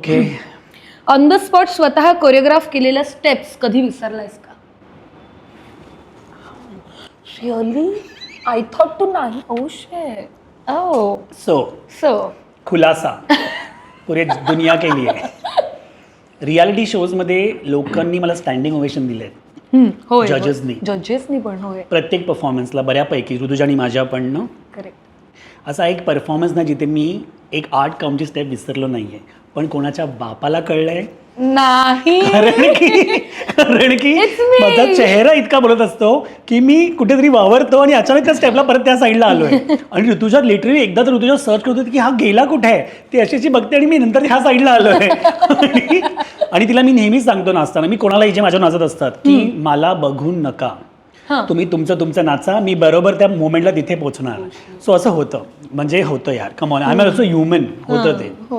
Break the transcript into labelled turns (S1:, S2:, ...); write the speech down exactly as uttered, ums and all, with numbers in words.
S1: Okay.
S2: On the spot स्वतः choreograph केलेल्या steps कधी विसरलायस का? रिअली? आय थॉट टू नाही. Oh shit. Oh
S1: so
S2: so
S1: खुलासा पुरे दुनिया केली आहे. रियालिटी शोजमध्ये लोकांनी मला स्टँडिंग ओवेशन दिले
S2: होय
S1: जजेसनी.
S2: जजेसनी पण होय.
S1: प्रत्येक परफॉर्मन्सला बऱ्यापैकी ऋतुजा आणि माझ्या पण ना
S2: करेक्ट.
S1: असा एक परफॉर्मन्स ना जिथे मी एक आर्ट काउंटची स्टेप विसरलो नाही आहे, पण कोणाच्या बापाला कळलंय.
S2: नाही.
S1: कारण की कारण की
S2: It's me.
S1: माझा चेहरा इतका बोलत असतो की मी कुठेतरी वावरतो आणि अचानक त्या स्टेपला परत त्या साईडला आलोय. आणि ऋतुजा लिटरली एकदा तर ऋतुजा सर्च करत होती की हा गेला कुठे आहे, ती अशी अशी बघते आणि मी नंतर ह्या साईडला आलोय. आणि आणि तिला मी नेहमीच सांगतो नाचताना, मी कोणालाही जे माझ्या नाचत असतात की मला बघून नका, तुम्ही तुमचं तुमचं नाचा, मी बरोबर त्या मोमेंटला तिथे पोहोचणार. सो असं होतं, म्हणजे होतं यार, come on, I am also human होतं ते.